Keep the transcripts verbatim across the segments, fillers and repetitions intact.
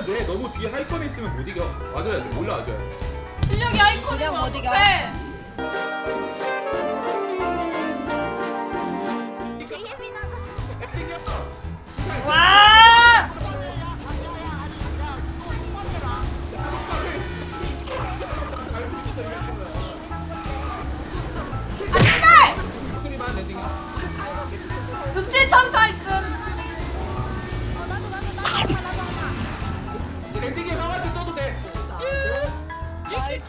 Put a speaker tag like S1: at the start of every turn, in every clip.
S1: 붙어주면 돼. 너무 뒤에 하이컨에 있으면 못 이겨. 와줘야 돼. 올라와줘야 돼.
S2: 실력이 아이콘이면
S3: 그냥 못 이겨.
S2: 어떡해.
S4: 되게 예민하다 진짜.
S2: 와! 아 씨발!
S1: 목소리만 랜딩이야.
S2: 읍질 천사 있음.
S4: 어 나도 나도 나도 하나 나도 하나.
S1: 랜딩이 형한테 써도 돼.
S3: 나이스.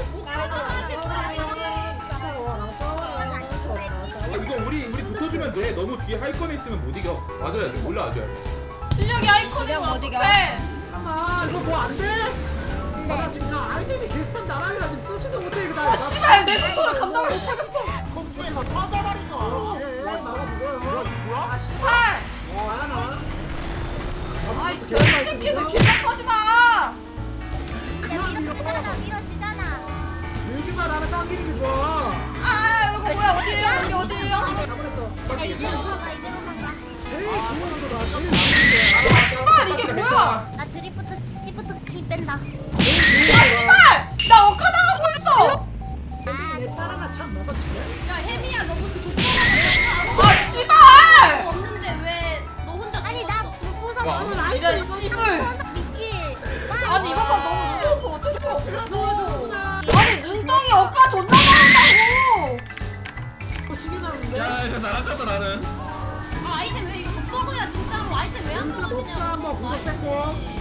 S1: 어, 이거 우리 우리 붙어주면 돼. 너무 뒤에 하이컨에 있으면 못 이겨. 와줘야 돼. 올라와줘야 돼.
S2: 실력이 아이콘이면
S3: 그냥 못 이겨.
S2: 어떡해.
S5: 잠깐만 이거 뭐 안 돼? 아, 나 지금 나 아이템이 개스탄 나랑이라 지금 쓰지도 못해 이거 나.
S2: 아 씨발 내 속도를 감당을 못하겠어.
S5: 공중에서 터져버리고. 예, 나가 죽어요.
S2: 아 씨발.
S5: 어, 하나.
S2: 아이 개새끼들 기억하지 마.
S5: 그만 밀어.
S4: 밀어주잖아 밀어주잖아.
S5: 밀지마 나는 당기는 게 좋아.
S2: 아 이거 뭐야 어디에요 여기 어디에요?
S5: 잘못했어.
S4: 야 이대로 가봐 이대로 가봐.
S5: 제일 좋은 거나 제일 좋은
S2: 아 씨발 이게 뭐야?
S4: 나 드리프트 시프트 키 뺀다.
S2: 아 씨발 나 억까당하고 있어.
S5: 게. 내 바나나 참 먹었지.
S6: 야 혜미야 너 무슨 족보라고
S2: 아 씨발.
S6: 없는데 왜 너 혼자
S4: 아니 나
S6: 죽었어?
S4: 불부서
S1: 와.
S4: 너는 아이템
S2: 이런 씨불.
S4: 미치.
S2: 아니 이번 판 너무 늦어서 어쩔 수가 없었어. 아니 눈덩이 억까 존나 많았다고.
S5: 어, 시계 나는데.
S1: 야 이거 나갔다 나는.
S6: 아 아이템 왜 이거 족보구야 진짜로 아이템 왜 안
S5: 녹차
S6: 떨어지냐고
S5: 한번 공격 뺐고.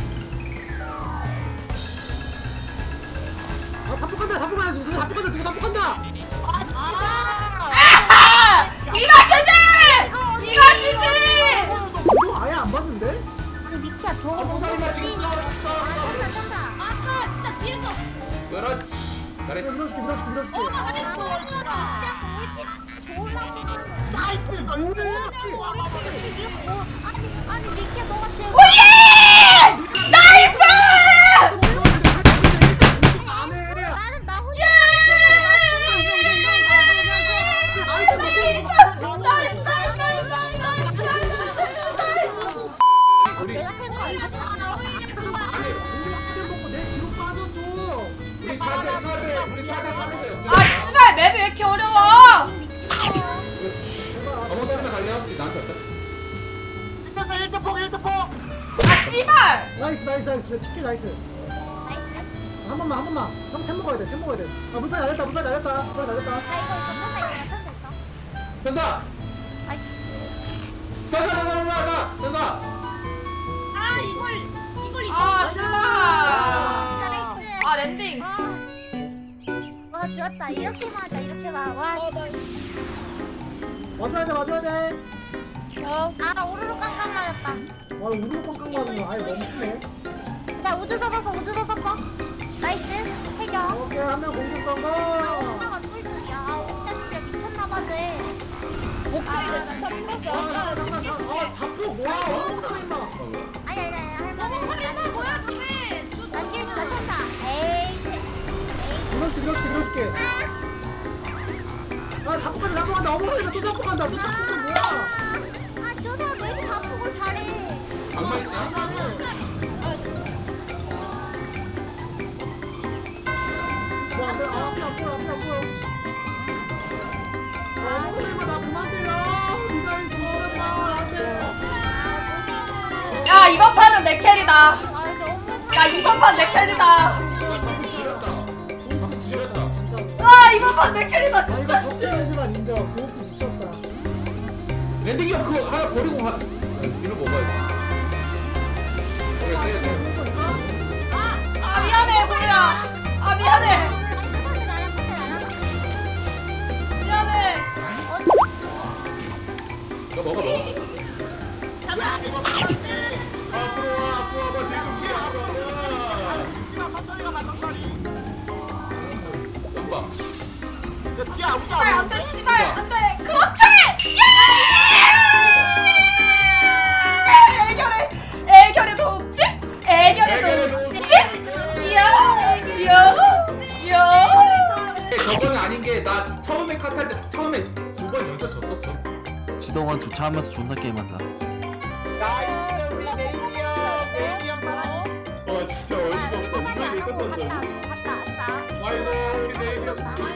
S5: 아, 잡폭한다, 잡폭한다, 누가 잡폭한다, 누가 잡폭한다.
S6: 아 씨발
S2: 아 이것이지 이것이지.
S5: 이거 아예 안 봤는데?
S4: 그 미키야 저거
S1: 어, 모서리만 지금 써.
S4: 천사 천사.
S6: 아까 진짜 뒤에서
S1: 그렇지. 잘했어.
S5: 밀어줄게, 밀어줄게, 밀어줄게.
S4: 아 진짜 우리 팀 졸라.
S5: 나이스, 뭐야?
S4: 이게 뭐? 아니 아니 미키야 너가 제일.
S2: 오예 나이스.
S5: 안 해.
S4: 나는 나 혼자.
S1: 우리
S4: 내가 해도 안 하잖아.
S5: 공격대 먹고 내 뒤로 빠져줘.
S1: 우리 사 대 사 대 우리 사 대 삼에서 역전.
S2: 아 씨발 맵이 왜 이렇게 어려워?
S1: 그렇지. 어머 소리만 갈려? 이제 나한테 왔다.
S5: 그래서 일 대 폭, 일 대 폭.
S2: 아 씨발.
S5: 나이스, 나이스, 나이스. 진짜 티켓 나이스. 한 번만, 한 번만. 형 템 먹어야 돼, 템 먹어야 돼. 아, 물빨 날렸다, 물빨 날렸다, 물빨 날렸다.
S1: 된다. 된다 된다 된다 된다 된다.
S6: 아 이걸 이걸 잊어
S2: 아 씨발. 아 랜딩.
S4: 와 좋았다. 이렇게 맞아 이렇게 봐. 와.
S5: 와줘야 돼, 와줘야 돼.
S4: 아 오르르 깡깡 맞았다.
S5: 와, 우르르 꽝꽝 맞은 거 아예 멈추네.
S4: 나 우주 젖었어 우주 젖었어. 나이스 해결.
S5: 오케이, 한 명 공격
S4: 아
S5: 성공.
S4: 오빠가 꿀ጥ이야. 아 오빠 진짜 미쳤나봐 쟤.
S3: 목자 이제 진짜 풀었어. 아까 쉽게 쉽게.
S5: 아, 잡고 뭐야? 어묵사 임마.
S4: 아니 아니 아니 할머니.
S6: 설마 뭐야 잠깐
S4: 나 실드 나 천사. 에이.
S5: 밀어줄게, 밀어줄게, 밀어줄게. 아, 잡고 간다, 잡고 간다. 어묵사 또 잡고 간다. 또 잡고 간다. 뭐야?
S4: 아 저사 왜 이렇게 자폭을 잘해.
S1: 방망 있다.
S3: 아씨.
S5: 뭐, 안 돼. 아, 앞에, 앞에, 앞에, 앞에. 아, 어묵사 임마, 나 그만 때려. 미사일 좀 쏘지 마.
S2: 야 이번 판은 내 캐리다.
S4: 아 근데 엄마
S2: 야 이번 판 내 캐리다.
S1: 야 방금 지렸다. 방금 지렸다.
S2: 와 이번 판 내 캐리다
S5: 아, 이거
S2: 진짜 씨.
S5: 적대하지만 인정. 그것도 미쳤다.
S1: 랜딩이 형 그거 하나 버리고 가. 뒤로 먹어야지. 그래 그래 그래.
S2: 아 미안해 고리야. 아 미안해. 미안해.
S1: 이거 먹어 먹어. 앞으로 와 앞으로 와봐 뒤좀 피해 와봐.
S5: 지마 천천히 가봐, 천천히.
S1: 연봐.
S5: 야, 뒤에 아무도
S2: 씨발
S5: 안
S2: 안돼
S5: 보이는데?
S2: 씨발 안돼. 그렇지. 예! 애결에 애결에 도움지? 애결에 도움지? 이야 이야 이야.
S1: 저거는 아닌 게 나 처음에 컷할 때 처음에 두 번 연속 졌었어.
S7: 지동원 주차하면서 존나 게임한다.
S5: 나이스, 우리 메이디야. 메이디 형 사랑해.
S1: 어 진짜 어이가 없다.
S4: 아,
S1: 이거에
S4: 하고
S1: 있었던
S4: 갔다
S1: 줄.
S4: 갔다 갔다.
S1: 아이고 우리 내일이었어.
S6: 아이고